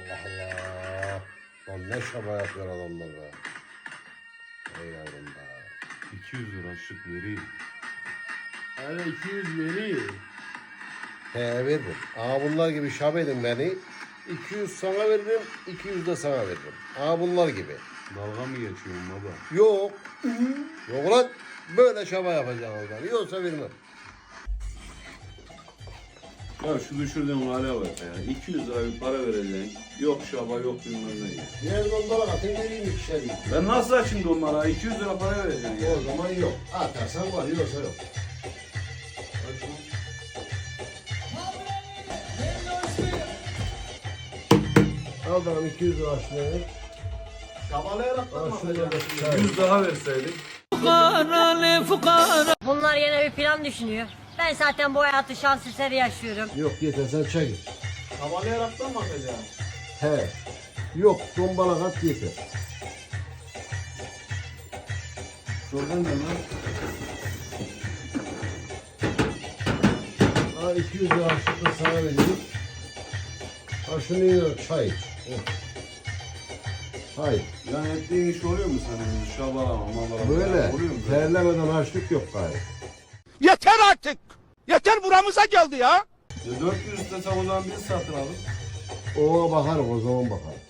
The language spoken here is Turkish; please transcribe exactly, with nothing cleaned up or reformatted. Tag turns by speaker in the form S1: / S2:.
S1: Allah Allah. Lan ne şaba yapıyor adamlar be. Ey yavrum be.
S2: iki yüz lira şık vereyim.
S3: Hele iki yüz veriyor.
S1: He veririm. Aa bunlar gibi şab edin beni. iki yüz sana veririm, iki yüz de sana veririm. Aa bunlar gibi.
S2: Dalga mı geçiyorsun baba?
S1: Yok. Yok lan. Böyle şaba yapacaksın ben. Yoksa vermem.
S2: Ya şu düşürdüğün hale bak ya. iki yüz lira bir para vereceksin. Yok şaba yok bilmem ne ya.
S1: Diğer donlara atın vereyim ikişer bin.
S2: Ben nasıl açayım da onlara? iki yüz lira para vereceksin ya.
S1: O zaman yok. Atarsan var, yoksa yok. Al bakalım iki yüz lira açlığını.
S3: Şabalayarak da
S1: Al
S3: mı
S1: şunu da
S3: atacaksın?
S1: çay.
S2: yüz daha verseydik.
S4: Bunlar yine bir plan düşünüyor. Ben zaten bu hayatı şans eseri yaşıyorum.
S1: Yok yeter sen çay git.
S3: Şabalayarak da mı atacaksın?
S1: He. Yok tombala kat yeter.
S2: Şuradan ne lan?
S1: Ha iki yüz lira açlıkla sana veriyorum. Ha şunu yiyor çay iç. Oh. Hayır.
S2: Yani ettiğin iş oluyor mu senin? Şabalama, mabalama.
S1: Böyle
S2: Oluyor mu böyle?
S1: terlemeden açlık yok gayet.
S5: Yeter artık. Yeter buramıza geldi ya.
S2: Ya dört yüz istesem o zaman biz satın alır.
S1: Ona bakarım o zaman bakarım.